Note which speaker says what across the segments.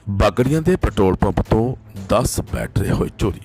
Speaker 1: ਬਾਗੜੀਆਂ ਦੇ petrol pump ਤੋਂ 10 battery ਹੋਏ ਚੋਰੀ।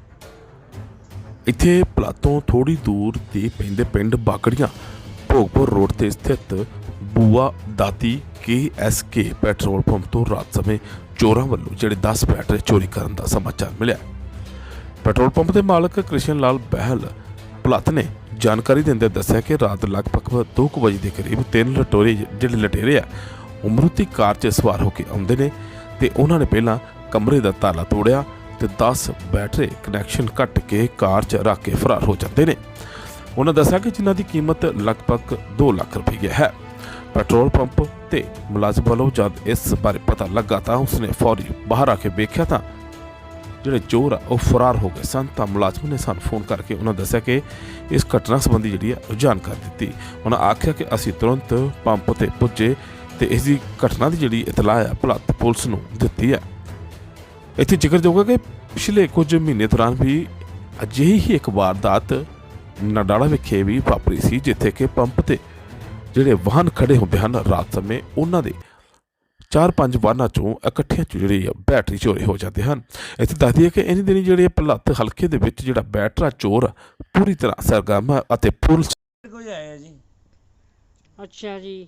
Speaker 1: ਇੱਥੇ ਪਲਾਤੋਂ ਥੋੜੀ ਦੂਰ ਤੇ ਪੈਂਦੇ ਪਿੰਡ ਬਾਗੜੀਆਂ ਭੋਗਪੁਰ ਰੋਡ ਤੇ ਸਥਿਤ ਬੂਆ ਦਾਤੀ KSK ਪੈਟਰੋਲ ਪੰਪ ਤੋਂ ਰਾਤ ਸਮੇਂ ਚੋਰਾਂ ਵੱਲੋਂ ਜਿਹੜੇ 10 ਬੈਟਰੀ ਚੋਰੀ ਕਰਨ ਦਾ ਸਮਾਚਾਰ ਮਿਲਿਆ। ਪੈਟਰੋਲ ਪੰਪ ਦੇ ਮਾਲਕ ਕ੍ਰਿਸ਼ਨ ਲਾਲ ਬਹਿਲ ਭਲੱਥ ਨੇ ਜਾਣਕਾਰੀ ਦਿੰਦੇ ਦੱਸਿਆ ਕਿ ਰਾਤ ਲਗਭਗ 2 ਵਜੇ ਦੇ ਕਰੀਬ 3 ਲਟੇਰੇ ਆ ਉਮਰੂਤੀ ਕਾਰ 'ਚ ਸਵਾਰ ਹੋ ਕੇ ਆਉਂਦੇ ਨੇ ਤੇ ਉਹਨਾਂ ਨੇ ਪਹਿਲਾਂ ਕਮਰੇ ਦਾ ਤਾਲਾ ਤੋੜਿਆ ਤੇ 10 ਬੈਟਰੀ ਕਨੈਕਸ਼ਨ ਕੱਟ ਕੇ ਕਾਰ 'ਚ ਰੱਖ ਕੇ ਫਰਾਰ ਹੋ ਜਾਂਦੇ ਨੇ। ਉਹਨਾਂ ਦੱਸਿਆ ਕਿ ਜਿਨ੍ਹਾਂ ਦੀ ਕੀਮਤ ਲਗਭਗ 2 ਲੱਖ ਰੁਪਏ ਹੈ। ਪੈਟਰੋਲ ਪੰਪ ਤੇ ਮੁਲਾਜ਼ਮ ਵੱਲੋਂ ਜਦ ਇਸ ਬਾਰੇ ਪਤਾ ਲੱਗਾ ਤਾਂ ਉਸਨੇ ਫੌਰੀ ਬਾਹਰ ਆ ਕੇ ਵੇਖਿਆ ਤਾਂ ਜਿਹੜੇ ਚੋਰ ਆ ਉਹ ਫਰਾਰ ਹੋ ਗਏ ਸਨ। ਤਾਂ ਮੁਲਾਜ਼ਮ ਨੇ ਸਾਨੂੰ ਫੋਨ ਕਰਕੇ ਉਹਨਾਂ ਦੱਸਿਆ ਕਿ ਇਸ ਘਟਨਾ ਸੰਬੰਧੀ ਜਿਹੜੀ ਹੈ ਜਾਣਕਾਰੀ ਦਿੱਤੀ। ਉਹਨਾਂ ਆਖਿਆ ਕਿ ਅਸੀਂ ਤੁਰੰਤ ਪੰਪ ਤੇ ਪੁੱਜੇ ਤੇ ਇਸ ਦੀ ਘਟਨਾ ਦੀ ਜਿਹੜੀ ਇਤਲਾਹ ਹੈ ਭਲੱਥ ਪੁਲਿਸ ਨੂੰ ਦਿੱਤੀ ਹੈ। ਇੱਥੇ ਜ਼ਿਕਰਯੋਗ ਹੈ ਕਿ ਪਿਛਲੇ ਕੁਝ ਮਹੀਨੇ ਦੌਰਾਨ ਵੀ ਅਜਿਹੀ ਹੀ ਇੱਕ ਵਾਰਦਾਤ ਨਡਾਲਾ ਵਿਖੇ ਵੀ ਵਾਪਰੀ ਸੀ, ਜਿੱਥੇ ਕਿ ਪੰਪ ਤੇ ਜਿਹੜੇ ਵਾਹਨ ਖੜੇ ਹੁੰਦੇ ਹਨ ਰਾਤ ਸਮੇਂ ਉਹਨਾਂ ਦੇ 4-5 ਵਾਹਨਾਂ ਚੋਂ ਇਕੱਠਿਆਂ ਚ ਜਿਹੜੀ ਬੈਟਰੀ ਚੋਰੀ ਹੋ ਜਾਂਦੇ ਹਨ। ਇੱਥੇ ਦੱਸਦੀ ਹੈ ਕਿ ਇਹਨਾਂ ਦਿਨੀ ਜਿਹੜੇ ਭਲੱਥ ਹਲਕੇ ਦੇ ਵਿੱਚ ਜਿਹੜਾ ਬੈਟਰਾ ਚੋਰ ਪੂਰੀ ਤਰ੍ਹਾਂ ਸਰਗਰਮ ਹੈ ਅਤੇ ਪੁਲਿਸ
Speaker 2: ਕੋਈ ਆਇਆ ਜੀ।
Speaker 3: ਅੱਛਾ ਜੀ,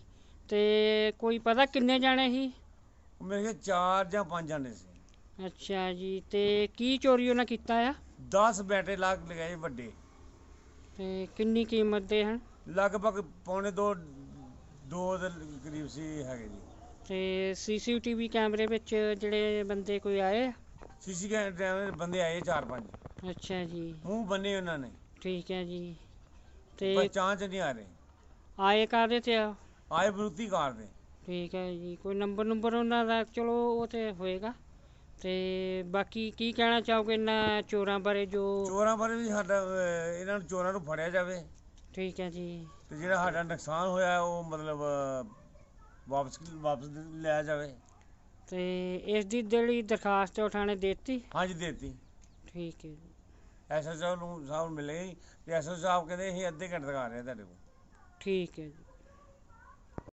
Speaker 3: ਤੇ ਕੋਈ ਪਤਾ ਕਿੰਨੇ ਜਾਣੇ ਸੀ?
Speaker 2: ਮੇਰੇ ਖਿਆਲ 4 ਜਾਂ 5 ਜਾਣੇ ਸੀ।
Speaker 3: ਅੱਛਾ ਜੀ, ਤੇ ਕੀ ਚੋਰੀ ਉਹਨਾਂ ਕੀਤਾ ਆ?
Speaker 2: 10 ਬੈਟਰੇ ਲਗਾਏ ਵੱਡੇ,
Speaker 3: ਤੇ ਕਿੰਨੀ ਕੀਮਤ ਦੇ ਹਨ?
Speaker 2: ਲਗਭਗ ਪੌਣੇ 2 ਦੇ ਕਰੀਬ ਸੀ ਹੈਗੇ ਜੀ।
Speaker 3: ਤੇ CCTV ਕੈਮਰੇ ਵਿੱਚ ਜਿਹੜੇ ਬੰਦੇ ਕੋਈ ਆਏ ਆ?
Speaker 2: ਸੀਸੀ ਕੈਮਰੇ ਬੰਦੇ ਆਏ 4-5।
Speaker 3: ਅੱਛਾ ਜੀ,
Speaker 2: ਮੂੰਹ ਬੰਨੇ ਉਹਨਾਂ ਨੇ,
Speaker 3: ਠੀਕ ਹੈ ਜੀ। ਤੇ
Speaker 2: ਪਹਿਚਾਣ ਚ ਨਹੀਂ ਆ ਰਹੇ।
Speaker 3: ਆਏ ਕਾਹਦੇ ਤੇ ਆ?
Speaker 2: ਆਏ ਬਰੂਤੀ ਕਾਰ ਦੇ।
Speaker 3: ਠੀਕ ਹੈ ਜੀ, ਕੋਈ ਨੰਬਰ ਉਹਨਾਂ ਦਾ? ਚਲੋ ਉਹ ਤੇ ਹੋਏਗਾ। ਤੇ ਬਾਕੀ ਕੀ ਕਹਿਣਾ ਚਾਹੋਗੇ ਇਹਨਾਂ ਚੋਰਾਂ ਬਾਰੇ?
Speaker 2: ਚੋਰਾਂ ਬਾਰੇ ਵੀ ਸਾਡਾ ਇਹਨਾਂ ਨੂੰ ਚੋਰਾਂ ਨੂੰ ਫੜਿਆ ਜਾਵੇ
Speaker 3: ਠੀਕ ਹੈ ਜੀ।
Speaker 2: ਤੇ ਜਿਹੜਾ ਸਾਡਾ ਨੁਕਸਾਨ ਹੋਇਆ ਉਹ ਮਤਲਬ ਵਾਪਸ ਲਿਆ ਜਾਵੇ।
Speaker 3: ਤੇ ਇਸ ਦੀ ਜਿਹੜੀ ਦਰਖਾਸਤ ਉਹ ਥਾਣੇ ਦੇ ਦਿੱਤੀ?
Speaker 2: ਹਾਂਜੀ ਦੇ ਦਿੱਤੀ।
Speaker 3: ਠੀਕ ਹੈ ਜੀ।
Speaker 2: SSO ਨੂੰ ਸਾਹਿਬ ਮਿਲੇ ਤੇ SSO ਸਾਹਿਬ ਕਹਿੰਦੇ ਅਸੀਂ ਅੱਧੇ ਘੰਟੇ ਤੱਕ ਆ ਰਹੇ ਤੁਹਾਡੇ ਕੋਲ।
Speaker 3: ਠੀਕ ਹੈ ਜੀ।